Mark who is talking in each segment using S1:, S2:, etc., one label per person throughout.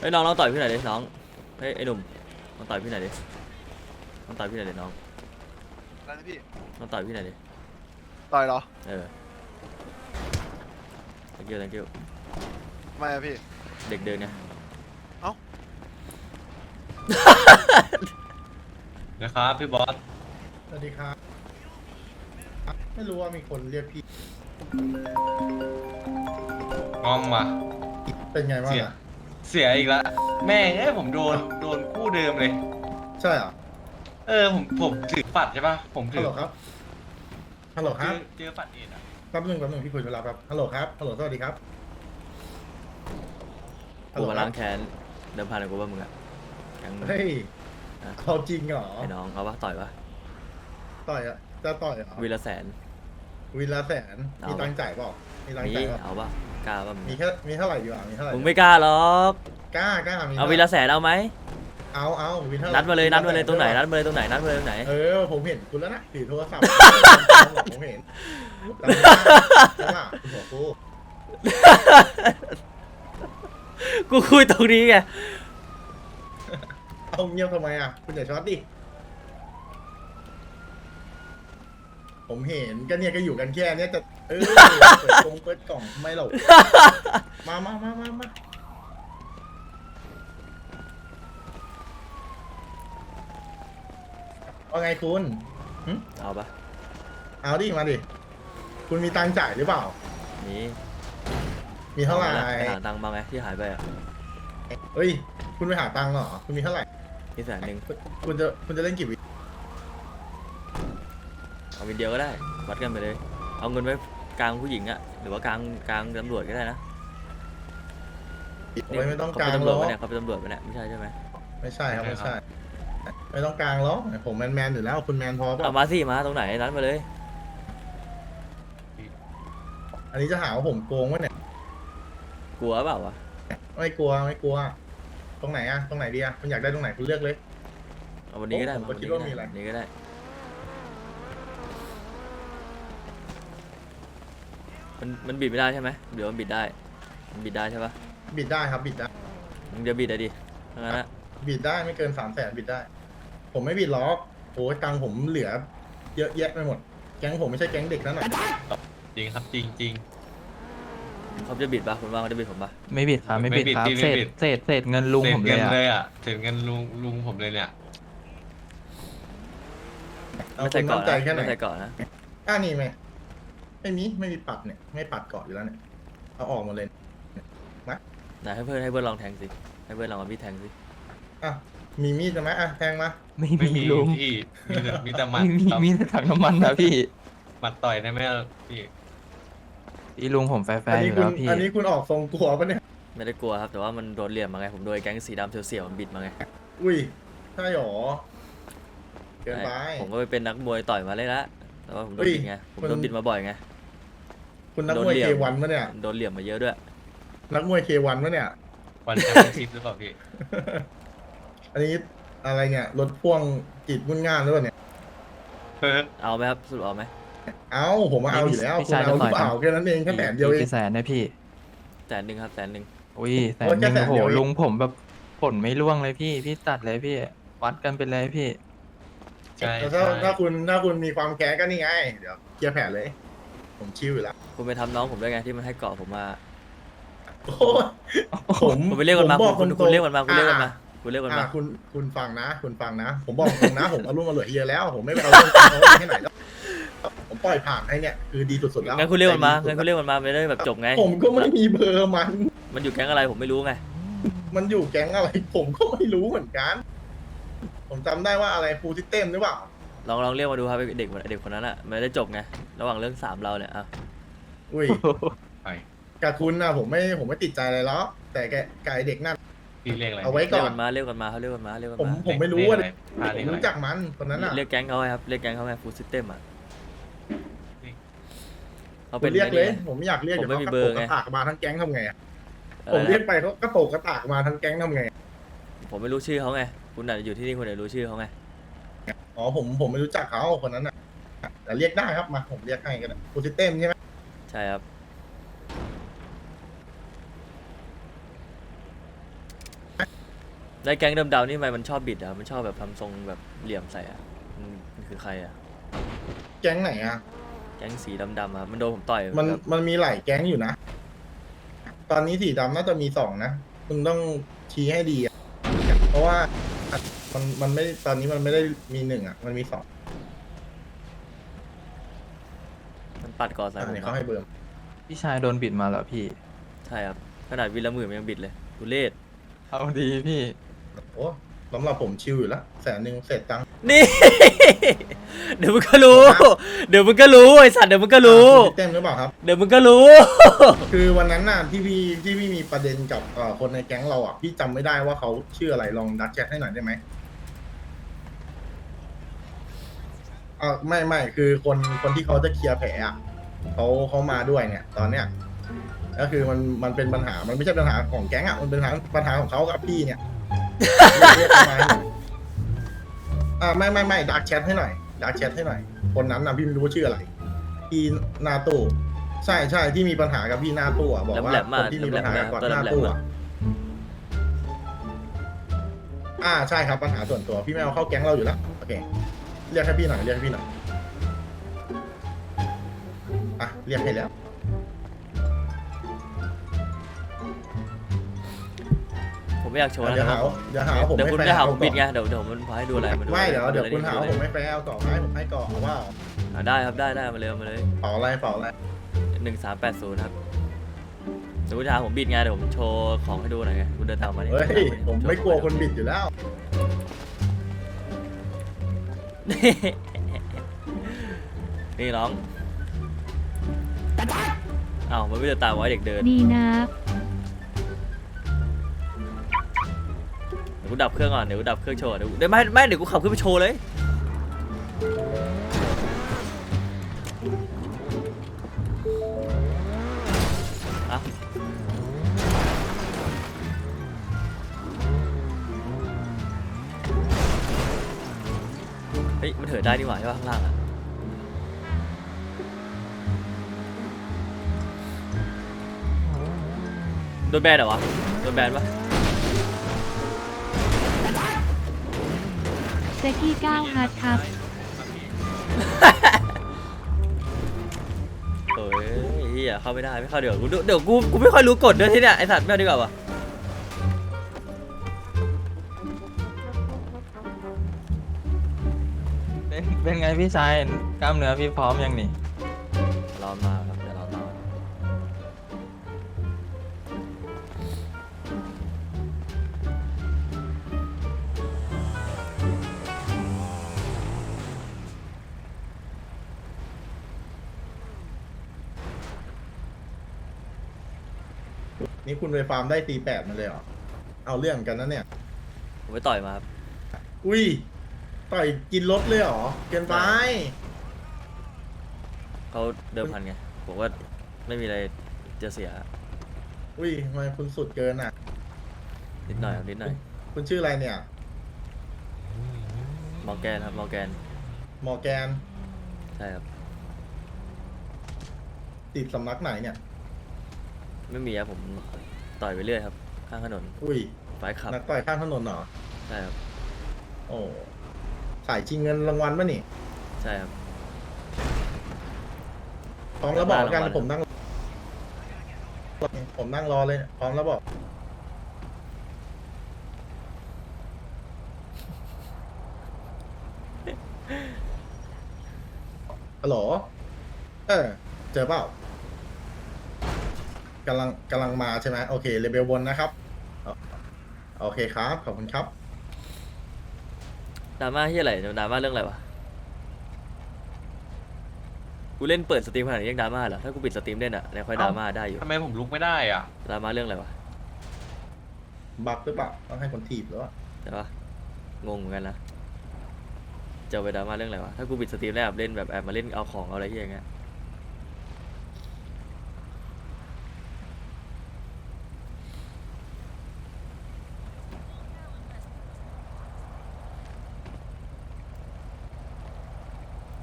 S1: ฮ้ยน้องต่อยพี่หน่อยดิน้องเฮ้ยไอ้หนุ่มลองต่อยพี่หน่อยดิลองต่อยพี่หน่อยดิน้อง
S2: อะไรนะพี่
S1: ลองต่อยพี่หน่อยดิ
S2: ต่อยเหรอ
S1: เออ thank you thank you
S2: ทำไมอะพี่
S1: เด็กเดินไง
S2: เอ้า
S3: นะครับพี่บอส
S4: สวัสดีครับ ไม่รู้ว่ามีคนเรียกพี่
S3: งอมว่ะ
S4: เป็นไงบ้าง
S3: เสีย
S4: อ่ะ
S3: เสียอีกละแม่งผมโดนคู่เดิมเลย
S4: ใช่เหรอ
S3: ผมถือปัดใช่ป่ะผมถื
S4: ฮัล
S3: อ
S4: โหลครับ ฮัลโหลครับ
S3: เจอปัดเอ็ดอ่ะ
S4: แป๊บนึงพี่คุยเวลาครับ ฮัลโหลครับ ฮัลโหลสวัสดีครับ
S1: กูมาล้างแค้นเดิมพันกับกูว่ามึงอะแก๊งมึง
S4: เฮ้ยเขาจริงเหรอ
S1: ไอ้น้องเอาปะต่อยปะ
S4: ต่อยอ่ะ จะต่อยเหรอ
S1: วีละแสน
S4: วินละแสน
S1: เอา
S4: มีตังค์จ่ายเปล่ามีตังค์
S1: มี
S4: จ่ายเปล่า
S1: เอาปะกล้าปะมึง
S4: มีเท่าไหร่ดีวะมีเท่าไหร่
S1: มึงไม่กล้าหรอก
S4: กล้ามี
S1: เอาวีละแสนเอาไหม
S4: เอาวินเท่าไหร่
S1: นัดมาเลยตรงไหนนัดมาเลยตรงไหนนัดมาเลยตรงไหน
S4: ผมเห็นคุณแล้วนะถือโทรศัพท์ ผมเห็นจำได้ปะคุณหัวกู
S1: กูคุยตรงนี้ไง
S4: เอาเงียบทำไมอ่ะ คุณอย่าช็อตดิ ผมเห็นก็เนี่ยก็อยู่กันแค่เนี้ยจะเปิดกล่องไม่หรอกมาว่าไงคุณ
S1: เอาปะ
S4: เอาดิมาดิ คุณมีตังค์จ่ายหรือเปล่า
S1: มี
S4: มีเท่าไหร่
S1: ไปหาตังค์มาไงที่หายไปอะ
S4: เฮ้ย คุณไปหาตังค์เหรอ คุณมีเท่าไหร่
S1: มีแสนหนึ่ง
S4: คุณจะเล่นกี่วิ
S1: เอาวินเดียวก็ได้วัดกันไปเลย เอาเงินไว้กลางผู้หญิงอะหรือว่ากลางตำรวจก็ได้นะ
S4: โอ้ยไม่ต้อง
S1: เขา
S4: กลา
S1: เป็น
S4: ง
S1: ตำร
S4: หร
S1: วจ
S4: อก
S1: ปะเนี่ยเขาเป็นตำรวจปะเนี่ยไม่ใช่ใช่ไหม
S4: ไม่ใช่ครับไม่ใช่ ไม่ต้องกลางหรอกผมแมนอยู่แล้ว คุณแมนพอเป
S1: เอา
S4: ล่า
S1: มาสิมาตรงไหนนัดมาเลย
S4: อันนี้จะหาว่าผมโกงวะเนี่ย
S1: กลัวเปล่าวะ
S4: ไม่กลัว ตรงไหนอะตรงไหนดีอะคุณอยากได้ตรงไหนคุณเลือกเลย
S1: เอาวันนี้ก็ได้
S4: ผมก็คิดว่ามีอะไร
S1: วันนี้ก็ได้มันบิดไม่ได้ใช่ไหมเดี๋ยวมันบิดได้มันบิดได้ใช่ปะ
S4: บิดได้ครับบิดได้
S1: มึงจะบิดอะดิทั้งนั้นอะ
S4: บิดได้ไม่เกิน300,000บิดได้ ผมไม่บิดล็อกโอ้ยตังค์ผมเหลือ เยอะแยะไปหมด แก๊งผมไม่ใช่แก๊งเด็กนั่นหรอก
S3: จริงครับจริง
S1: เขาจะบิดปะคุณว่าเขาจะบิดผมปะ
S5: ไม่บิดครับไม่บิดครับ
S3: ไม่บิด
S5: เศษเงินลุง
S3: เศษ
S5: ผมเล
S3: เงิ
S5: ย
S3: น
S5: อะ
S3: เลยอ่ะเศษเงินลุงผมเลยเนี่ย
S4: เอา
S1: ไม่
S4: คุ
S1: ใส่
S4: ณ
S1: เกาะ
S4: มั่นใจ
S1: นะ
S4: แค่ไหน
S1: ไม่ใส่เกาะนะ
S4: นี่ไหมไม่มีปัดเนี่ยไม่ปัดเกาะอยู่แล้วเนี่ยเอาออกหมดเลย
S1: ไหนให้เพื่อนลองแทงสิให้เพื่อนลองเอาพี่แทงสิ
S4: อ่ะมีมีดใช่ไหมอ่ะแทงมา
S5: ไม่
S3: ไม่
S5: มี
S3: มี
S5: ลุง
S3: พี่มีแต่หมัด
S5: มีแต่ถังน้ำมันนะพี่
S3: หมัดต่อยได้ไหมพี่
S5: พี่ลุงผมแฟ
S4: อัน
S5: ร์ๆอ
S4: นี้
S5: ยู่
S4: คุณ
S5: แล้วพี่
S4: อันนี้คุณออกทรงกลัวปะเนี่ย
S1: ไม่ได้กลัวครับแต่ว่ามันโดนเหลี่ยมมาไงผมโดนไอ้แก๊งสีดำเสียวๆมันบิดมาไง
S4: อุ้ยใช่หรอเกินไป
S1: ผมก็ไปเป็นนักมวยต่อยมาเลยละแต่ว่าผมโดนบิดไงผมโดนบิดมาบ่อยไง
S4: คุณนักมวย
S1: โดนเหลี่
S4: เค
S1: ยม
S4: วันปะเนี่ย
S1: โดนเหลี่ยมมาเยอะด้วย
S4: นักมวยเควันปะเนี่ย
S3: วันแชมเปี้ยนชิพหรือเปล่าพี่
S4: อันนี้อะไรเนี่ยรถพ่วงจีบมุ่นง่านหรือเปล่าเนี่ย
S1: เอาไหมครับสรุปเอาไหม
S4: เอาผมมาเอาอยู่แล้ว
S5: พี่
S4: คุณ
S5: ชาย
S4: เอาห
S5: จะต่
S4: รือ อย เปล่าแค่นั้นเองแค่แสนเดียวเอง
S5: กี่แสนนะพี่
S1: แสนหนึ่งครับแสนหนึ่ง
S5: อุ้ยแสน
S4: โอ้ย
S5: หนึ่ง
S4: แค่แสน
S5: โอ้โห
S4: เดียวเอง
S5: ลุงผมแบบผลไม่ร่วงเลยพี่ตัดเลยพี่ วัดกันไปเลยพี่
S3: ใช่
S4: แต่
S3: ใช่
S4: ถ้าคุณมีความแค้นก็นี่ไง เดี๋ยวเคลียร์แผลเลย ผมชิวอยู่แล้ว
S1: คุณไปทำน้องผมด้วยไงที่มันให้เกาะผมมา
S4: โอ้ยผม
S1: คุณไปเรียกมันมา
S4: ผบอก
S1: คุณเรียกมันมาคุณเรียกมัน
S4: อ่ะ
S1: มาคุณเรียกมันมา
S4: คุณฟังนะ คุณฟังนะ ผมบอกตรงนะ ผมเอารุ่มมาเหลือเยอะแล้ว ผมไม่ไปเอาเรื่องเขาที่ไหนแล้วผมปล่อยผ่านให้เนี่ยคือดีสุดๆแล้ว
S1: งั้นคุณเรียกมันมา
S4: ใจดี
S1: งั้น
S4: สุ
S1: คุ
S4: ด
S1: ณเรียกมันมาไม่ได้แบบจบไง
S4: ผมก็ไม่มีเบอร์มัน
S1: มันอยู่แก๊งอะไรผมไม่รู้ไง
S4: มันอยู่แก๊งอะไร ผมก็ไม่รู้เหมือนกัน ผมจำได้ว่าอะไรฟูลซิสเต็มหรือเปล่า
S1: ลองเรียกมาดูครับไอ้เด็กคนนั้นอ่ะมันได้จบไงระหว่างเรื่องสามเราเนี่ยอ่ะ
S4: อุ้ย
S3: ไป
S4: กับคุณนะผมไม่ติดใจอะไรหรอกแต่แกไก่เด็กนั่น
S3: พี่เรียกอะไร
S4: เอาไว้
S1: เรียกมันมาเรียกมันมาเขาเรียกมันมาเรียกมัน
S4: ผม
S1: มา
S4: ผมไม่รู้ว่า
S3: เรียกอะไรพา
S4: ผ
S3: เรีย
S4: ม
S3: กอะไร
S4: รู้จักมันคนนั้นอ่ะ
S1: เรียกแก๊งเขาไงครับเรียกแก๊งเขาไงฟูลซิสเต็มอ่ะเขา
S4: ผ
S1: เป็น
S4: มเรียกเลย
S1: ไง
S4: ผมไม่อยากเรียก
S1: ผม
S4: เดี๋ยว
S1: ไม่
S4: เขา
S1: มี
S4: กระ
S1: เบอ
S4: โป
S1: ร์
S4: ง
S1: ไง
S4: กระตากมาทั้งแก๊งทำไงอะ
S1: อะไร
S4: ผมเรียก
S1: นะ
S4: ไปเขากระโปงกระตากมาทั้งแก๊งทำไงอะ
S1: ผมไม่รู้ชื่อเขาไงคุณอาจจะอยู่ที่นี่คุณอาจจะรู้ชื่อเขาไง
S4: อ๋อผมไม่รู้จักเขาคนนั้นอ่ะแต่เรียกได้ครับมาผมเรียกให้ก็ได้ฟูลซิสเต็มใช่ไหม
S1: ใช่ครับ
S4: ไอ้
S1: แล้วแก๊งดำๆนี่ทำไมมันชอบบิดอ่ะมันชอบแบบทำทรงแบบเหลี่ยมใส่อ่ะมันคือใครอ่ะ
S4: แก๊งไหนอ่ะ
S1: แก๊งสีดำๆอ่ะมันโดนผมต่อย
S4: มัน
S1: แบบ
S4: มันมีหลายแก๊งอยู่นะ ตอนนี้สีดำน่าจะมีสองนะมึงต้องชี้ให้ดีอ่ะเพราะว่ามันไม่ตอนนี้มันไม่ได้มีหนึ่งอ่ะมันมีสอง
S1: มันปัดก่อนใส่
S4: อัน
S1: ผม
S4: นี้
S1: อะ
S4: เขาให้เบิ่ม
S5: พี่ชายโดนบิดมาเหรอพี่
S1: ใช่ครับขนาดวิลละหมื่นมันยังบิดเลยทุเรศ
S5: เอาดีพี่
S4: โอ้สำหรับผมชิลอยู่แล้ว100,000เสร็จตังค์
S1: นี่ เดี๋ยวมึงก็รู้ เดี๋ยวมึงก็รู้ไอสัตว์เดี๋ยวมึงก็รู้
S4: พี่เต็มหรือเปล่าครับ
S1: เดี๋ยวมึงก็รู้
S4: คือวันนั้นน่ะที่พี่มีประเด็นกับคนในแก๊งเราอ่ะพี่จำไม่ได้ว่าเขาชื่ออะไรลองดักแชทให้หน่อยได้ไหมไม่คือคนที่เขาจะเคลียร์แผลอ่ะเขามาด้วยเนี่ย ตอนเนี้ยก็คือมันเป็นปัญหามันไม่ใช่ปัญหาของแก๊งอ่ะมันเป็นปัญหาของเขากับพี่เนี่ยเรียกเขามาให้หน่อยไม่ดักแชทให้หน่อยดักแชทให้หน่อย คนนั้นนะพี่ไม่รู้ว่าชื่ออะไรพี่หนาตู้ใช่ที่มีปัญหากับพี่หน้าตู้อะบอกว่า
S1: แหลมๆ
S4: ค
S1: มาก
S4: นที่มีปัญหาก่อน
S1: ตัว
S4: หน้า
S1: แหลมๆ
S4: ตู้
S1: มา
S4: อะใช่ครับปัญหาส่วนตัวพี่ไม่เอาเข้าแก๊งเราอยู่แล้วโอเคเรียกให้พี่หน่อยเรียกให้พี่หน่อยอ่ะเรียกให้แล้ว
S1: ผมไม่อยากโชว์นะ
S4: เดี๋ยว
S1: ค
S4: หา
S1: รับ
S4: เดี๋ยวหาว่าผม
S1: เดี๋ยว
S4: ไม่
S1: คุณ
S4: แฟ
S1: จะ
S4: ร์
S1: หา
S4: เอา
S1: ผม
S4: ก่
S1: บิ
S4: อ
S1: ด
S4: น
S1: ไงเดี๋ยวมันพาให้ดูอะไรมาดู
S4: ไม่เดี๋ยว
S1: อะไร
S4: คุณหาว่าผมไม่แฟร์เอาต่อให้ผมให้ก่อนเอาว่า
S1: ได้ครับได้มาเลยมาเลย
S4: เป่าอะไร
S1: 1380ครับเดี๋ยวคุณจะหาผมบิดไงเดี๋ยวผมโชว์ของให้ดูหน่อยไงคุณเดินตามมาดิ
S4: เฮ้ยผมไม่กลัวคนบิดอยู่แล้ว
S1: นี่น้องอ้าวมันไม่เดินตามไว้เด็กเดิน
S6: ดีนะ
S1: เดี๋ยวกูดับเครื่องก่อนเดี๋ยวกูดับเครื่องโชว์เดี๋ยวไม่เดี๋ยวกูขับขึ้นไปโชว์เลยอะเฮ้ยมันเถิดได้นี่หว่าใช่ป่ะข้างล่างอะโดนแบนเหรอวะโดนแบนปะ
S6: เซกี้9ฮาร์ดครับ
S1: เฮ้ยเฮียเข้าไม่ได้ไม่เข้าเดี๋ยวกูไม่ค่อยรู้กฎด้วยที่เนี่ยไอสัตว์ไม่เอาดีกว่าวะ
S5: เป็นไงพี่ชายกล้ามเนื้อพี่พร้อมยังนี่
S1: รอมาครับเดี๋ยวรอมา
S4: นี่คุณไปฟาร์มได้ตี8มาเลยเหรอเอาเรื่องกันนะเนี่ย
S1: ผมไปต่อยมาครับ
S4: อุ้ยต่อยกินรถเลยเหรอเกินไป
S1: เขาเดิมพันไงผมว่าไม่มีอะไรจะเสีย
S4: อุ้ยทำไมคุณสุดเกินอ่ะ
S1: นิดหน่อยครับนิดหน่อย
S4: คุณชื่ออะไรเนี่ย
S1: มอร์แกนครับมอร์แกน
S4: มอร์แกน
S1: ใช่ครับ
S4: ติดสำนักไหนเนี่ย
S1: ไม่มีครับผมต่อยไปเรื่อยครับข้างถนน
S4: อุ้ย
S1: ไฟขับ
S4: นักต่อยข้างถนนเหรอ
S1: ใช่ครับ
S4: โอ้สายชิงเงินรางวัลป่ะนี่
S1: ใช่ครับ
S4: พร้อมแล้วบอกกัน
S1: รางวัล
S4: ผมนั่งรอเลยพร้อมแล้วบอกฮัลโหลเจอเปล่ากำลังมาใช่ไหมโอเคเลเวลบนนะครับโอเคครับขอบคุณครับ
S1: ดราม่าที่อะไรดราม่าเรื่องอะไรวะกูเล่นเปิดสตรีมขนาดนี้ยังดราม่าเหรอถ้ากูปิดสตรีมเล่นอะแล้วค่อยดราม่าได้อยู่
S3: ทำไมผมลุกไม่ได้อ่ะ
S1: ดราม่าเรื่องอะไรวะ
S4: บักหรือเปล่าต้องให้คนถีบหรือว่า
S1: ใช่ปะงงเหมือนกันนะจะเอาไปดราม่าเรื่องอะไรวะถ้ากูปิดสตรีมแล้วแบบเล่นแบบแอบมาเล่นเอาของเอาอะไรที่อย่างเงี้ย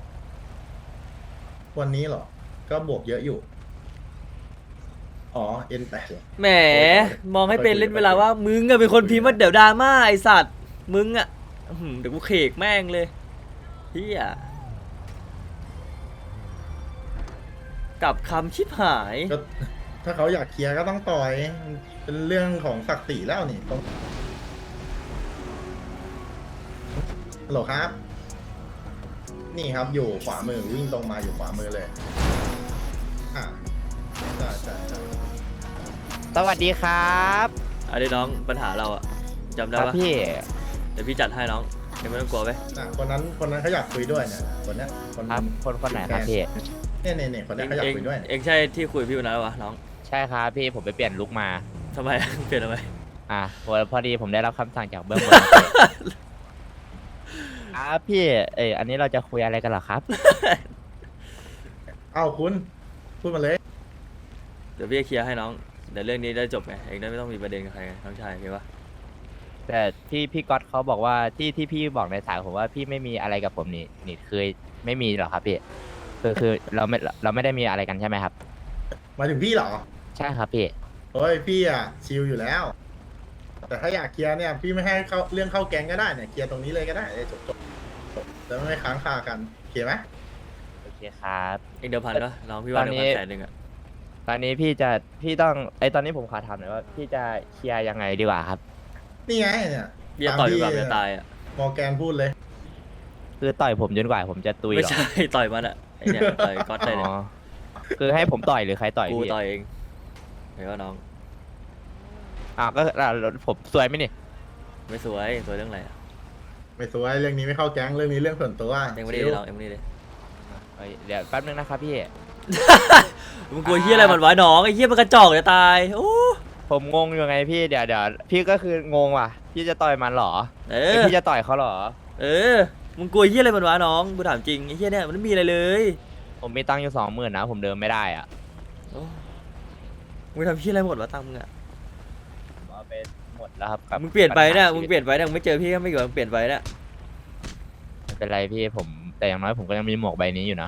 S4: วันนี้เหรอ ก็บวกเยอะอยู่ อ๋อ N8 เหรอ
S1: แหมมองให้เป็นเล่นเวลาว่ามึงอะเป็นคนพิมพ์ว่าเดี๋ยวดราม่าไอสัตว์มึงอะอื้อหือเดี๋ยวกูเขกแม่งเลยเฮียกลับคำชิบหาย
S4: ก็ถ้าเขาอยากเคลียร์ก็ต้องต่อยมันเป็นเรื่องของศักดิ์ศรีแล้วนี่ตรงฮัลโหลครับ นี่ครับอยู่ขวามือวิ่งตรงมาอยู่ขวามือเลยอ่าใช่ใช่ใช่
S7: สวัสดีครับ
S1: อันนี้น้องปัญหาเราอะจำได้
S7: ครับ
S1: ปะ
S7: พี่
S1: เดี๋ยวพี่จัดให้น้องยังไม่ต้องกลัวไป
S4: คนนั้นเขาอยากคุยด้วยเนี่ยคนเนี้ยคน
S7: ครับคนไหนครับพี่
S4: เนี่ยคนเนี้ยเขาอยากคุยด้วย
S1: เองใช่ที่คุยกับพี่วันนั้นปะวะน้อง
S7: ใช่ครับพี่ผมไปเปลี่ยนลุกมา
S1: ทำไม เปลี่ยนทำไม
S7: พอดีผมได้รับคำสั่งจากเบื้องบน พี่อันนี้เราจะคุยอะไรกันเหรอครับ
S4: เอ้าคุณพูดมาเลย
S1: เดี๋ยวพี่จะเคลียร์ให้น้องเดี๋ยวเรื่องนี้ได้จบไงเองได้ไม่ต้องมีประเด็นกับใครไงน้องชายโอเคปะ
S7: แต่ที่พี่ก๊อตเขาบอกว่าที่พี่บอกในสายผมว่าพี่ไม่มีอะไรกับผมนี่เคยไม่มีหรอครับพี่คือเราไม่ได้มีอะไรกันใช่ไหมครับ
S4: มาถึงพี่เหรอ
S7: ใช่ครับพี่
S4: โอ้ยพี่อะชิลอยู่แล้ว แต่ถ้าอยากเคลียร์เนี่ยพี่ไม่ให้เข้าเรื่องเข้าแก๊งก็ได้เนี่ยเคลียร์ตรงนี้เลยก็ได้จบแล้วไม่ค้างคากันเคลียร์ไหม
S7: โอเคครับ
S1: เองเดิมพันปะน้องพี่ว่า
S7: ตอน
S1: เดิม
S7: นี้
S1: พัน100,000อะ
S7: ตอนนี้พี่ต้องตอนนี้ผมขอถามหน่อยว่าพี่จะเคลียร์ยังไงดีกว่าครับ
S4: นี่ไงเนี่ย
S1: พี่จะต่อยดีกว่าพี่จะตายอะ
S4: มอร์แกนพูดเลย
S7: คือต่อยผมจนกว่าผมจะตุย
S1: ไม่
S7: เหรอ
S1: ใช่ ต่อยมันอะไอเนี่ยต่อยก๊อตได้เนี่ย
S7: อ๋อคือให้ผมต่อยหรือใครต่อย
S1: กู
S7: พี่
S1: ต่อยเองเห็นว่าน้อง
S7: ก็ผมสวยไหมนี่
S1: ไม่สวยสวยเรื่องอะไรอะ
S4: ไม่สวยเรื่องนี้ไม่เข้าแก๊งเรื่องนี้เรื่องส่วนตัว
S1: เองไม่ได้
S4: ชิล
S1: น้องเองไม่ได้เลย
S7: เดี๋ยวแป๊บนึงนะครับพี่
S1: มึงกลัวเฮียอะไรมันวะน้องไอ้เฮียมันกระจอกจะตายโอ้
S7: ผมงงอยู่ไงพี่เดี๋ยวพี่ก็คืองงว่ะพี่จะต่อยมันเหรอ
S1: เอ
S7: หรือ
S1: อ
S7: พี่จะต่อยเขาเหรอ
S1: เออมึงกลัวเฮียอะไรมันวะน้องกูถามจริงไอ้เฮียเนี่ยมันไม่มีอะไรเลย
S7: ผมมีตังค์อยู่20,000นะผมเดินไม่ได้อ่ะ
S1: โอ้มึงทำเฮียอะไรหมดวะตังค์มึงอะ
S7: ผมเอาไปหมดแล้วครับกับ
S1: มึงเปลี่ยนไปเนี่ย
S7: ปัญหา
S1: มึงเปลี่ยนไปเนี่ยมึงไม่เจอพี่ก็ไม่เกี่ยวมึงเปลี่ยนไปเนี่ย
S7: ไม่เป็นไรพี่ผมแต่อย่างน้อยผมก็ยังมีหมวกใบนี้อยู่นะ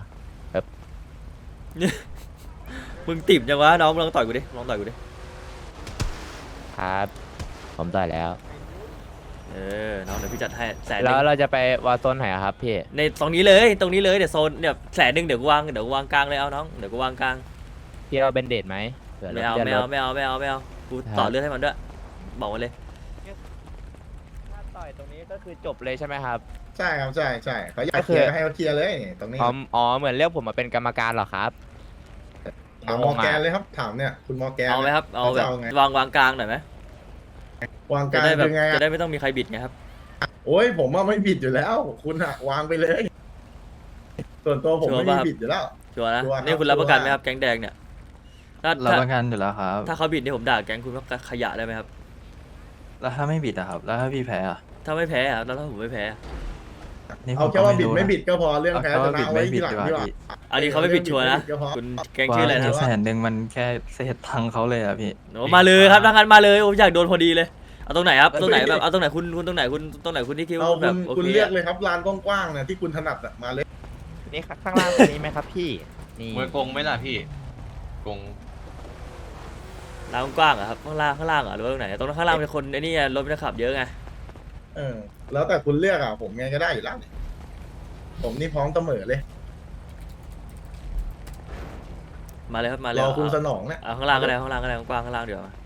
S1: มึงติ่มจังวะน้องมึงลองต่อยกูดิลองต่อยกูดิ
S7: ครับ ผมต่อยแล้ว
S1: เออน้องเดี๋ยวพี่จัดให้100,000
S7: แล้วเราจะไปวาโซนไหนอะครับพี่
S1: ในตรงนี้เลยเดี๋ยวโซนเนี่ย100,000เดี๋ยวกูวางกลางเลยเอาน้องเดี๋ยวกูวางกลาง
S7: พี่เอาเบนเดดไหมผื่
S1: ไม่เอา
S7: รถ
S1: ไม่
S7: ลื่น
S1: เอา
S7: รถ
S1: ไม่เอาไม่เอาไม่เอากูต่อเลือดให้มันด้วยบอกมาเลย
S7: ถ้าต่อยตรงนี้ก็คือจบเลยใช่ไหมครับ
S4: ใช่ครับใช่เขาอยากเคลียร์ก็ให้เขาเคลียร์เลยนี่ตรงนี้
S7: อ๋อเหมือนเรียกผมมาเป็นกรรมการเหรอครับ
S4: ถามมอร์แกนเลยครับถามเนี่ยคุณมอร์แกน
S1: เอาไหมครับเอาแบบ
S4: จะไง
S1: วางกลางหน่อยไหม
S4: วางก
S1: จะ
S4: ลาง
S1: ได้แบบ
S4: ยังไง
S1: จะ
S4: อะ
S1: ได้ไม่ต้องมีใครบิดไงครับ
S4: โอ้ยผมว่าไม่บิดอยู่แล้ว คุณอะวางไปเลย ส่วนตัวผม
S1: ชัวร์
S4: ไม่
S1: ป่ะ
S4: มีบิดอยู่แล้ว
S1: ชัวร์นะ
S4: ชัวร์ครับ
S1: นี่คุณรับประกันไหม
S4: ชัวร์
S1: ครับแก๊งแดงเนี่ยถ้า
S5: รับประกันอยู่แล้วครับ
S1: ถ้าเขาบิดนี่ผมด่าแก๊งคุณว่าขยะได้ไหมครับ
S5: แล้วถ้าไม่บิดอะครับ แล้วถ้าพี่แพ้อะ
S1: ถ้าไม่แพ้อะแล้วถ้าผมไม่แพ้อะ
S5: นี่ผ
S4: เอา
S5: ม
S4: แค่
S5: ก็
S4: ว่า
S5: ไม่
S4: บิด
S5: รู้
S4: ไม่
S5: นะ
S4: บิดก็พอเรื่องแพ้
S5: เอา
S4: ช
S5: แค่
S4: นะ
S5: ว่า
S4: เอา
S5: บิด
S4: ไว้
S5: ไม่
S4: ทีหลัง
S5: บิด
S4: ดีกว่า
S5: ดีกว่า
S1: อันนี้เขาไม่บิดชัวร์นะ
S4: ก็พอ
S1: คุณแก๊งชื่ออะไรนะครับ
S5: 100,000มันแค่เศษตังค์เขาเลยอะพี่
S1: โอ้มาเลยครับทางการมาเลยผมอยากโดนพอดีเลยเอาตรงไหนครับตรงไหนแบบเอาตรงไหนคุณตรงไหนคุณที่คิด
S4: เอา
S1: ว่าแบ
S4: คุ
S1: บ
S4: ณ
S1: โอ
S4: คุณ
S1: เค
S4: เลือก
S1: อะ
S4: เลยครับลานกว้างๆเนี่ยที่คุณถนัดอะมาเลย
S7: นี่ข้างล่างตรงนี้ไหมครับพี่ นี่
S3: มวยกงไหมล่ะพี่กง
S1: ร้านกว้างอะครับข้างล่างอะหรือว่าตรงไหนตรงนั้นข้างล่างเป็นคนไอ้นี่ไงรถมันขับเยอะไง
S4: เออแล้วแต่คุณเลือกอะผมไงก็ได้อยู่แล้วผมนี่พร้อมเสมอเลย
S1: มาเลยครับมาเลย
S4: รอคุณสนองเนี่ย
S1: เอาข้างล่างก็ได้ข้างล่างก็ได้กว้างข้างล่างเดี๋ยวา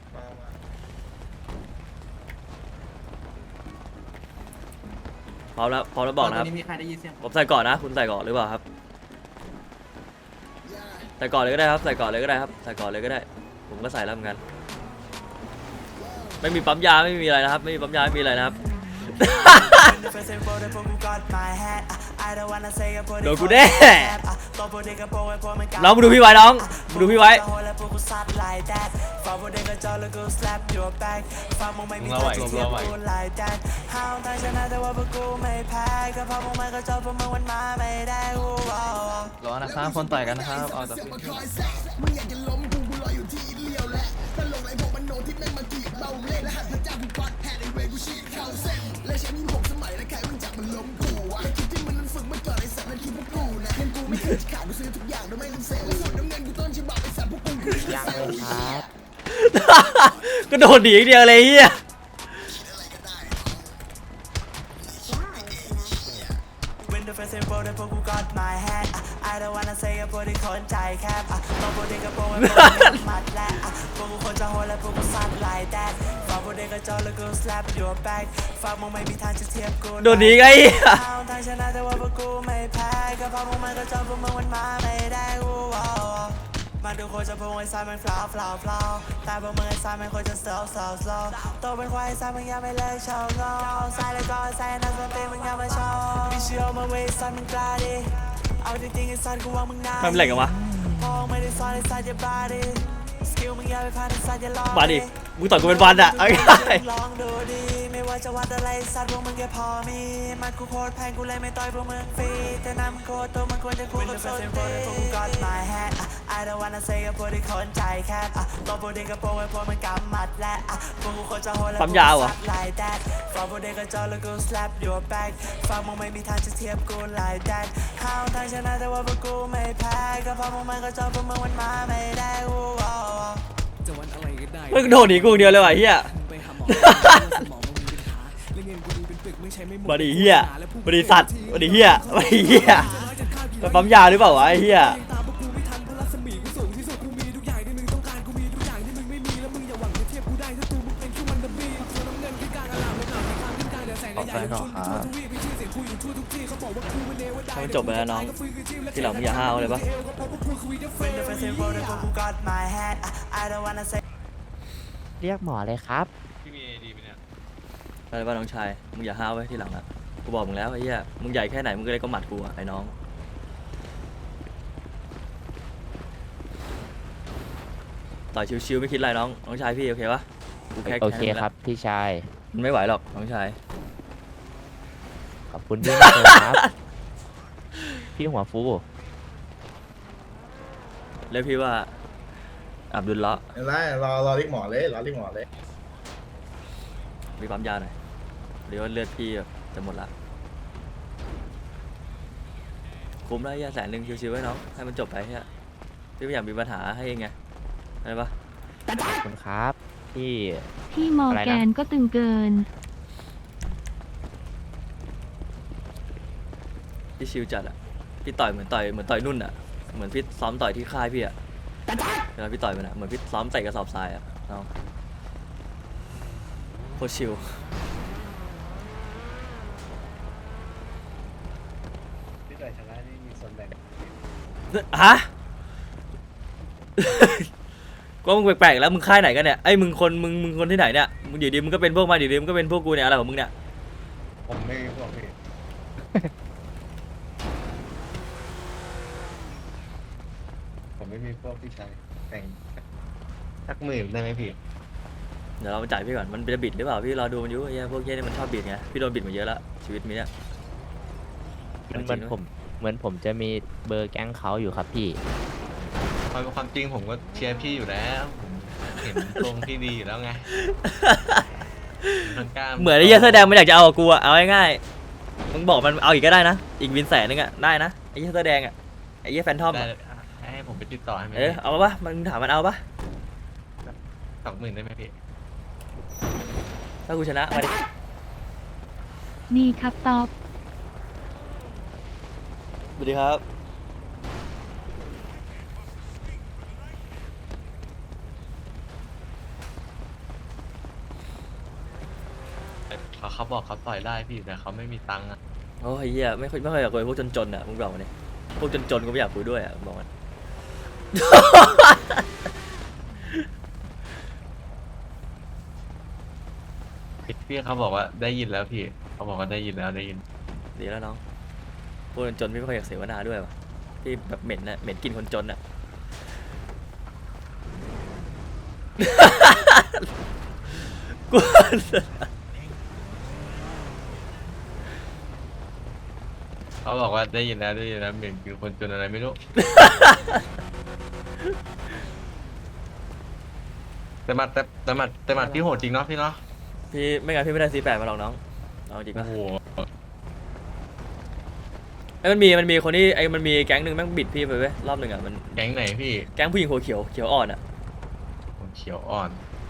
S1: พร้อมแล้วบอกนะครับผมใส่ก่อนนะคุณใส่ก่อนหรือเปล่าครับใส่ก่อนเลยก็ได้ครับใส่ก่อนเลยก็ได้ครับใส่ก่อนเลยก็ได้ ผมก็ใส่แล้วเหมือนกันไม่มีปั๊มยาไม่มีอะไรนะครับไม่มีปั๊มยาไม่มีอะไรนะครับ โดนกูแน่น้องมึงดูพี่ไว้น้องมึงดูพี่ไว้
S3: มึงเล่าไหวมึงเล่าไหว
S5: รอนะครับคนต่อยกันนะครับเอาจากพี่
S7: ยังเลยครับ
S1: ก็โดนดีอีกเดียวเลยเฮีย
S8: When the first info ได้พวกกู got my hand I don't wanna say พวกที่คนใจแคบต้องพวกที่กระโปรงไว้พวกที่มัดและพวกกูคนจะโหดและพวกกูซัด like that ฝากพวกเด็กกระจอกแล้วกู slap your back ฝากมึงไม่มีทางจะเทียบกู
S1: โดนดีไงเหี้ย
S8: เอาทางชนะแต่ว่าพวกกูไม่แพ้ก็เพราะพวกมันกระจอกพวกมึงมันมาไม่ได้กูมาดูโคจะพวกไอ้ซ้ายมันฟลาวแต่พวกมึงไอ้ซ้ายมันโคจะ slow โตเป็นควายซ้ายมึงยังไม่เลิกโชว์งอซ้ายแล้วก็ซ้ายนั่นเป็นมึงยังไม่โชว์มีเชื่อมาเว้ยซ้ายมึงกล้าดิเอาจริงๆไอ้ซ้ายกูว่ามึงน่า
S1: ทำอะไรกันวะ
S8: พอไม่ได้ซ้อนไอ้ซ้ายจะบ้าดิสกิลมึงอย่าไปพลาดไอ้ซ้ายจะลอง
S1: มาดิมึงต่อยกูเป็นวันอะเอาง่าย
S8: ลองดูดิไม่ว่าจะวัดอะไรสัตว์พวกมึงแค่พอมีมันกูโคตรแพงกูเลยไม่ต่อยพวกมึงฟรีแต่นำโคตรตัวมันควรจะคู่กับโซนตีพวกกู got my hand I don't wanna say กับพวกที่คนใจแคบตัวพวกที่กระโปรงไว้พวกมันกำมัดและพวกกูโคตรจะโหดและ
S1: ปั๊มยาวเหรอ
S8: like that ฝากพวกเด็กกระจอกแล้วกู slap your back ฝากมึงไม่มีทางจะเทียบกู like that ห้าวทางชนะแต่ว่าพวกกูไม่แพ้ก็เพราะพวกมันกระจอกพวกมึงมันมาไม่ได้กู
S1: ๆมึงโดนหนีกูอย่างเดียวเลยว่ะเฮีย มาดิเฮียมาดิสัตว์มาดิเฮียมาดิเฮียมันปั๊มยาหรือเปล่าวะไอ้เฮีย
S5: ขอไฟหน่อยครับ
S1: ให้มันจบไปแล้วน้อง ที่หลังมึงอย่าห้าวเลยปะ
S8: When the first info ได้พวกกู got my hand I don't wanna say
S7: เรียกหมอเลยครับ
S3: พี่มีดีไหมเนี่ย
S1: อะไรวะน้องชาย มึงอย่าห้าวไว้ที่หลังอะกูบอกมึงแล้วไอ้เหี้ย มึงใหญ่แค่ไหนมึงก็เลยก็หมัดกูอะไอ้น้อง ต่อยชิวๆไม่คิดอะไรน้อง น้องชายพี่โอเคปะกูแค่
S7: โอเค
S1: นั้นแหละ
S7: ครับพี่ชาย
S1: มันไม่ไหวหรอกน้องชาย
S7: ขอบคุณพี่มากเลยครับ พี่หัวฟู
S1: แล้วพี่ว่าอับดุลละ
S4: เห็นไหมรอเรียกหมอเลยรอเรียกหมอเลย
S1: มีปั๊มยาหน่อยเดี๋ยวาเลือดพี่แบบจะหมดละคุ้มแล้วไอ้เหี้ย100,000ชิวๆไว้น้อง ให้มันจบไปเฮียพี่ไม่อยากมีปัญหาให้เองไงอะไรปะ
S7: ขอบคุณครับพี่
S6: พี่มอร์แกนก็ตึงเกิน
S1: พี่ชิวจัดอะพี่ต่อยเหมือนต่อยนุ่นอะเหมือนพี่ซ้อมต่อยที่ค่ายพี่อะเวลาพี่ต่อยมันอะเหมือนพี่ซ้อมใส่กระสอบทรายอะน้องโคตรชิว
S3: พี่ต่อยชนะนี่มีส่วนแบ่ง
S1: ฮะ ก็มึงแปลกๆแล้วมึงค่ายไหนกันเนี่ยไอ้ยมึงคนที่ไหนเนี่ยมึงอยู่ดีมึงก็เป็นพวกมาอยู่ดีมึงก็เป็นพวกกูเนี่ยอะไรของมึงเนี่ย
S3: ผมไม่บอกพี่ ผมไม่มีพวกพี่ชายแต่งสักหมื่นได้ไหมพี่
S1: เดี๋ยวเรามาจ่ายพี่ก่อนมันจะบิดหรือเปล่าพี่รอดูมันอยู่ไอ้เหี้ยพวกเหี้ยนี่มันชอบบิดไงพี่โดนบิดมาเยอะแล้วชีวิตมีเนี่ย
S7: เหมือนผมจะมีเบอร์แก๊งเขาอยู่ครับพี่
S3: ความจริงผมก็เชียร์พี่อยู่แล้วผมเห็นตรงที่ดีอยู่แล้วไงกล้า
S1: เหมือนไอ้เหี้ยเสื้อแดงมันอยากจะเอากับกูอะเอาง่ายๆมึงบอกมันเอาอีกก็ได้นะอีกวิน100,000อะได้นะไอ้เหี้ยเสื้อแดงอะไอ้เหี้ยแฟนทอม
S3: ได้
S1: อะ
S3: ให้ผมไปติดต่อให้ไหม
S1: เอาปะมันถามมันเอาปะ
S3: 20,000ได้ไหมพี่
S1: ถ้ากูชนะมาดิ
S6: นี่ครับตอบ
S1: สวัสดีครับ
S3: เขาบอกเขาต่อยได้พี่แต่เขาไม่มีตังค์อะ
S1: โอ้ยเหี้ยไม่ค่อยอยากคุยพวกจนๆอะมึงบอกมันดิพวกจนๆกูไม่อยากคุยด้วยอะมึงบอกมัน
S3: พี่เขาบอกว่าได้ยินแล้วพี่เขาบอกว่าได้ยินแล้วได้ยิน
S1: ดีแล้วน้องพวกจนๆพี่ไม่ค่อยอยากเสวนาด้วยว่ะพี่แบบเหม็นนะเหม็นกินคนจนอะ กู
S3: เขาบอกว่าได้ยินแล้วได้ยินแล้วเหมือนคือคนจนอะไรไม่รู้ แต่หมัดพี่โหดจริงเนาะพี่เนาะ
S1: พี่ไม่งั้นพี่ไม่ได้C8มาหรอกน้องเอาจริง
S3: โอ้
S1: ปะ
S3: โห
S1: ไอ้ยมันมีคนที่ไอ้มันมีแก๊งหนึ่งแม่งบิดพี่ไปเว้ยรอบหนึ่งอะมัน
S3: แก๊งไหนพี่
S1: แก๊งผู้หญิงหัวเขียวอ่อนอะ
S3: ผมเขียวอ่อน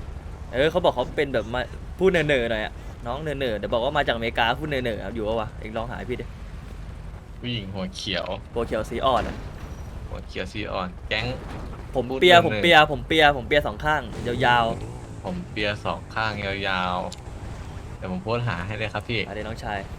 S1: เขาบอกเขาเป็นแบบมาพูดเน่อๆหน่อยอะน้องเน่อๆเดี๋ยวบอกว่ามาจากอเมริกาพูดเน่อๆครับอยู่ปะวะเองลองหาให้พี่ดิ
S3: ผู้หญิงหัวเขียว
S1: โปรเขียวสีอ่อนอะ
S3: หัวเขียวซีอ่อน แก๊ง
S1: ผม
S3: พูด
S1: เปีย
S3: เน่อๆ
S1: ผมเปียผมเปียผมเปียสองข้างยาว
S3: ผมเปียสองข้างยาวๆเดี๋ยวผมโพสต์หาให้เลยครับพี่
S1: ๆอะไรน้องชาย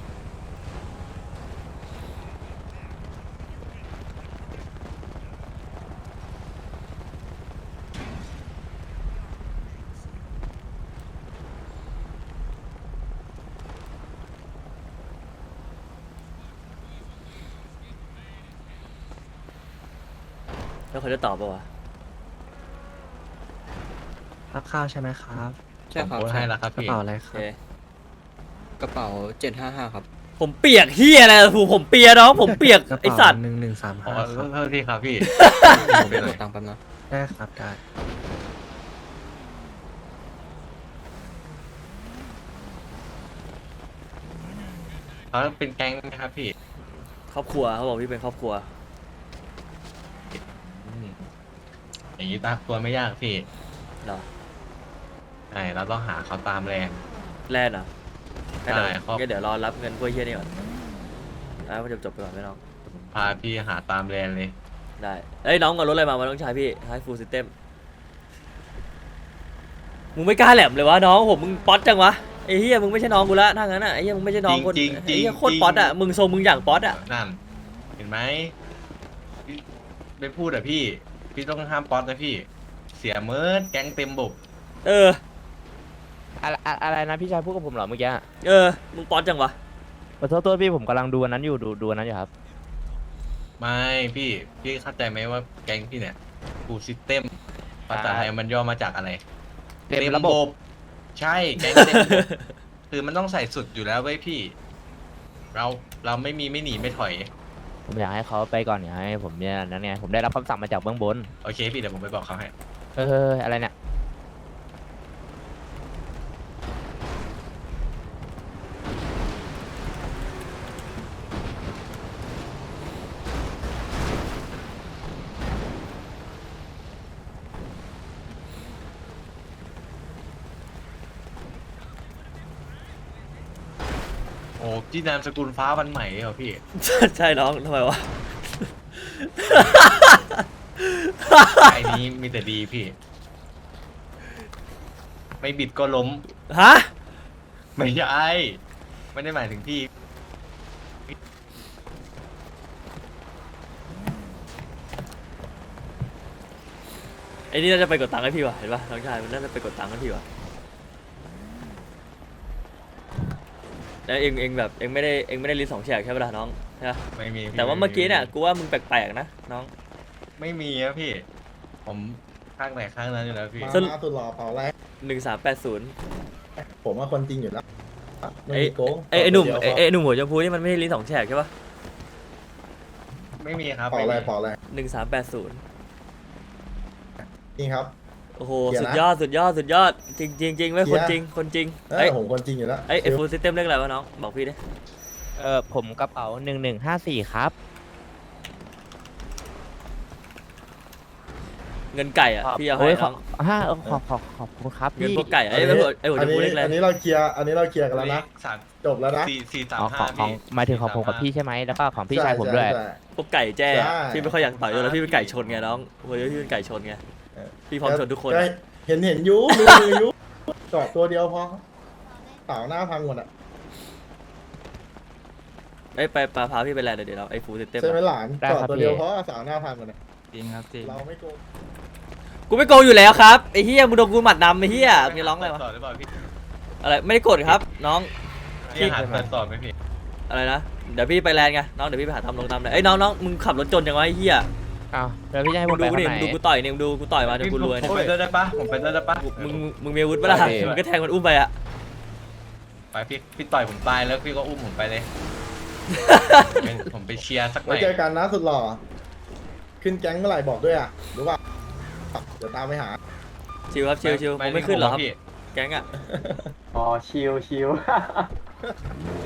S1: แล้วเขาจะตอบปะวะ
S9: รับข้าวใช่ไหมครับ
S3: ผมโพสต์ให้แล้วครับ
S9: กระ
S3: พี่
S9: เป๋าอะไร
S1: โอ
S9: ค
S1: เครับ
S9: กระเป๋า755ครับ
S1: ผมเปียกเฮียอะไรผมเปียน้องผมเปียก
S9: กระ
S1: ไอ
S9: เป๋า
S1: สัตว์
S9: 1135
S3: อ๋อ
S9: ครับ
S3: โทษทีครับพี่
S9: ผม
S3: ไป
S9: ไป
S3: ห
S9: ก
S3: น่อ
S9: ด
S3: ย
S9: ตังค์แป๊บนะได้ครับได้
S3: เขาเป็นแก๊งไหมครับพี่
S1: ครอบครัวเขาบอกพี่เป็นครอบครัว
S3: อืมอย่างนี้ตามตัวไม่ยากพี่
S1: เหรอ
S3: ใช่เราต้องหาเขาตามแรง
S1: แลนด์เหรองั้นเดี๋ยว
S3: ใช่ครับ
S1: งั้นเดี๋ยวรอรับเงินพวกเฮียนี่ก่อนแล้วมันจะจบไปก่อนไหมน้อง
S3: พาพี่หาตามแรงเลย
S1: ได้เอ้ยน้องเอารถอะไรมาน้องชายพี่ให้ฟูลซิสเต็มมึงไม่กล้าแหลมเลยวะน้องผมมึงป๊อตจังวะไอ้เฮียมึงไม่ใช่น้องกูละถ้างั้นอ่ะไอ้เฮียมึงไม่ใช่น้องคน
S3: จริงๆ
S1: ไอ้เฮียโคตร
S3: จริงๆ
S1: ป๊อตอ่ะมึงทรงมึงอย่างป๊อตอ่ะ
S3: นั่น เห็นไหมพี่ไม่พูดอ่ะพี่ พี่ต้องห้ามป๊อตนะพี่ เสียเมิร์ดแก๊งเต็มบบ
S1: เออ
S7: อะไรนะพี่ชายพูดกับผมเหรอเมื่อกี้
S1: มึงป๊อตจังวะ
S7: ขอโทษตัวพี่ผมกำลังดูอันนั้นอยู่ดูอันนั้นอยู่ครับ
S3: ไม่พี่เข้าใจไหมว่าแก๊งพี่เนี่ยฟูลซิสเต็มภาษาไทยมันย่อมาจากอะไร
S7: เต็มระบบ
S3: ใช่แก๊งเต็มระบบ คือมันต้องใส่สุดอยู่แล้วเว้ยพี่ เราไม่มีไม่หนีไม่ถอย
S7: ผมอยากให้เขาไปก่อนอยากให้ผมเนี่ยนั้นไงผมได้รับคำสั่งมาจากเบื้องบน
S3: โอเคพี่เดี๋ยวผมไปบอกเขาให้
S7: อะไรเนี่ย
S3: โอ้พี่นามสกุลฟ้าวันใหม่เหรอพี่
S1: ใช่น้องทำไมวะ
S3: ไอ้นี้มีแต่ดีพี่ ไม่บิดก็ล้ม
S1: ฮะ
S3: ไม่ใช่ไม่ได้หมายถึงพี่
S1: ไอ้นี่น่าจะไปกดตังค์ให้พี่วะเห็นปะน้องชายมันน่าจะไปกดตังค์ให้พี่วะแล้วเองแบบเองไม่ได้ลิ้นสองแฉกใช่ปะล่ะน้องใช่ปะ
S3: ไม่มีพี่
S1: แต่ว่าเมื่อกี้เนี่ยกูว่ามึงแปลกๆนะน้อง
S3: ไม่มีอะพี่ ผมข้างไหนข้างนั้นอยู่แล้วพี่
S4: มา
S1: สรุป
S4: มาสุดหล่อเปล่าอะไร
S1: 1380
S4: ผมว่าคนจริงอยู่แล้วไม่
S1: ไอ้
S4: มีโกง
S1: ไอ้หนุ่ม
S4: เดี๋ยว
S1: ไอ้หนุ่มหัวชมพูนี่มันไม่ใช่ลิ้นสองแฉกใช่ปะ
S3: ไม่มีครับ
S4: เปล่าอะไร
S3: ม่มี
S4: เปล่าอะไร
S1: 1380
S4: นี่ครับ
S1: โอ้โห
S4: เขียน
S1: สุด
S4: นะ
S1: ยอดสุดยอดสุดยอดจริงจริงจริงไม่
S4: เขี
S1: ค
S4: ย
S1: น
S4: น
S1: จริงคนจริง
S4: เอ้ยผมคนจริงอยู่แล้ว
S1: ไอ้ฟูลซิสเต็มเรื่องอะไรวะน้องบอกพี่ดิ
S7: ผมกระเป๋า1154ครับ
S1: เงินไก่อ่ะพี่เอาให้
S7: โอ้ย
S1: น้อง
S7: ขอบคุณครับ
S1: เงิน
S7: พี่
S1: พวกไก่อะไอ้หัวชมพูเล็กอะไร
S4: อันนี้เราเคลียร์กันแล้วนะ
S3: สาม
S4: จบแล้วนะ
S3: สี่สาม
S7: อ๋อ
S3: ห้า
S7: ของ
S3: พี่
S7: หมายถึงของผมกับพี่ใช่ไหมแล้วก็ของพี่ชายผมด้วย
S4: ใช่
S1: พวกไก่แจ้
S4: ใช่
S1: พี่ไม่ค่อยอยากต่อยด้วยแล้วพี่เป็นไก่ชนไงน้องโอ้ยพี่เป็นไก่ชนไง
S4: เออ
S1: พี่พร้อมชนทุกคน
S4: ก็เห็นอยูมืออยูจอดตัวเดียวพอเต่าหน้าพังหมดอ่ะ
S1: ไอ้ยไปพาพี่ไปแลนด์เดี๋ยวเราไอ้ฟูลซิสเต็ม
S4: ใช่ไหมหลาน
S7: ได้
S4: จอด
S7: ครับ
S4: ตัวเดียว
S7: พี่
S4: เพราะว่าสาวหน้าพังหมดอ่ะ
S5: จริงครับจริง
S4: เราไม่โกง
S1: กูไม่โกงอยู่แล้วครับไอ้เฮียมึงโดนกูหมัดนำไอ้เฮียมึงจะร้องอะไรวะ
S3: ต่อหรือเปล่าพี่
S1: อะไรไม่ได้กดครับน้อง
S3: พี่หาเปิดต่อไหมพี่
S1: อะไรนะเดี๋ยวพี่ไปแลนด์ไงน้องเดี๋ยวพี่ไปหาทำลงทำเลยไอ้ยน้องมึงขับรถจนจังวะไอ้เฮีย
S7: อ้าวแล้วพี่จะให้ผ
S1: มึ
S7: ม
S1: ง
S7: ไป
S1: ดู
S7: ข้าง
S1: นี่
S7: ไหน
S1: มึงดูกูต่อยนี่มึงดูกูต่อยมาจนกูรวย
S3: ผ
S1: เนี่ย
S3: มไปด้วยได้ปะผมไปด้วยได้ปะ
S1: มึงมีอาวุธปะล่ะ
S7: ไป
S1: มึงก็แทงมันอุ้มไปอะ
S3: ไปพี่ต่อยผมตายแล้วพี่ก็อุ้มผมไปเลย ผมไปเชียร์สักหน่
S4: ไว้
S3: อย
S4: เจอกันนะสุดหล่อขึ้นแก๊งเมื่อไหร่บอกด้วยอ่ะรู้ป่ะเดี๋ยวตามไปหา
S1: ชิวครับชิวผมไม่ขึ้นหรอกครับ
S3: พี่
S1: แก๊งอะ
S9: อ๋อชิว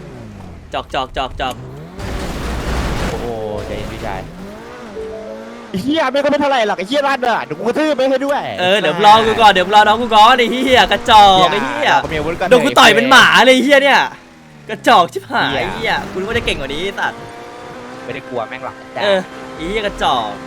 S1: จอก
S7: โอ้โหใจเย็นพี่ชายเฮียไม่ก็ไม่เท่าไหร่หรอกไอ้เฮียรัดอ่ะเดี๋ยวกูกระทืบไปให้ด้วย
S1: เดี๋ยวรอกูก่อนเดี๋ยวรอน้องกูก่อนไอ้เหี้ยกระจอกไอ้เหี้ย
S7: ก็มีอาวุธก่อน
S1: โดนกูต่อยเป็นหมาเลยไอ้เหี้ยเนี่ยกระจอกชิบหายไอ้เหี้ยกูนึกว่าจะเก่งกว่านี้ไอ้สัตว์
S7: ไม่ได้กลัวแม่งหรอก
S1: ไอ้เหี้ยกระจอก